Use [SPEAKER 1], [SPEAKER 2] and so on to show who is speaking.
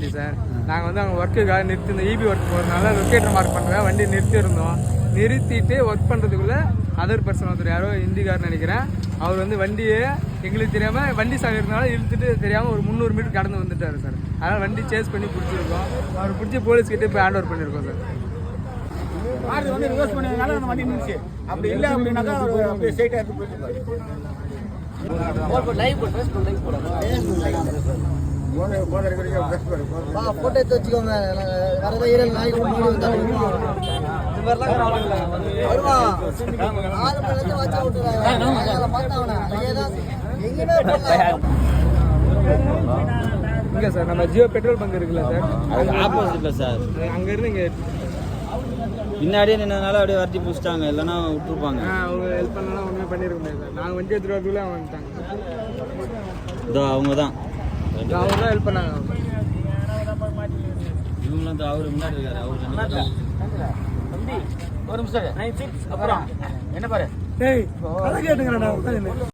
[SPEAKER 1] வண்டி சார். நாங்கள் வந்து அங்கே ஒர்க்குக்காக நிறுத்தி இந்த இபி ஒர்க் போகிறதுனால லொக்கேட்டர் மார்க் பண்ணுறேன் வண்டி நிறுத்தியிருந்தோம். நிறுத்திட்டு ஒர்க் பண்ணுறதுக்குள்ளே அதர் பர்சன் ஒருத்தர் யாரோ ஹிந்திக்காரன்னு நினைக்கிறேன். அவர் வந்து வண்டியை எங்களுக்கு தெரியாமல் வண்டி சாவி இருந்தாலும் இழுத்துட்டு தெரியாமல் ஒரு 300 மீட்டர் கடந்து வந்துட்டார் சார். அதனால் வண்டி சேஸ் பண்ணி பிடிச்சிருக்கோம். அவர் பிடிச்சி போலீஸ்கிட்ட போய் ஹேண்ட் ஓவர் பண்ணியிருக்கோம் சார்.
[SPEAKER 2] கார் வந்து ரிவர்ஸ் பண்ணதுனால அந்த வண்டி நின்றுச்சு. அப்படி இல்லை அப்படின்னாக்கா அப்படியே ஸ்ட்ரைட்டாக எடுத்து போயிட்டு
[SPEAKER 3] போட்டோ எடுத்து வச்சுக்கோங்க. வரத 7 நாளைக்கு
[SPEAKER 1] இங்கே சார் நம்ம ஜியோ பெட்ரோல் பங்க் இருக்குல்ல சார்,
[SPEAKER 4] அது ஆப்போசிட்ல சார்.
[SPEAKER 1] அங்கேருந்து இங்கே
[SPEAKER 4] பின்னாடியே நின்றதுனால அப்படியே வரட்டி பிடிச்சிட்டாங்க, இல்லைன்னா விட்டுருப்பாங்க.
[SPEAKER 1] அவங்க ஹெல்ப் பண்ணலாம் ஒன்றுமே பண்ணியிருக்க முடியாது சார். நாங்கள் வண்டி எடுத்துகிட்டு வரதுக்குள்ளே அவங்க வந்துட்டாங்க.
[SPEAKER 4] இதோ அவங்க தான்
[SPEAKER 1] ஹெல்ப் பண்ணாங்க.
[SPEAKER 4] இவங்களும் அவரு முன்னாடி இருக்காரு. அவரு
[SPEAKER 2] ஒரு நிமிஷம் அப்புறம் என்ன பாரு
[SPEAKER 1] கேட்டுங்கிறேன்.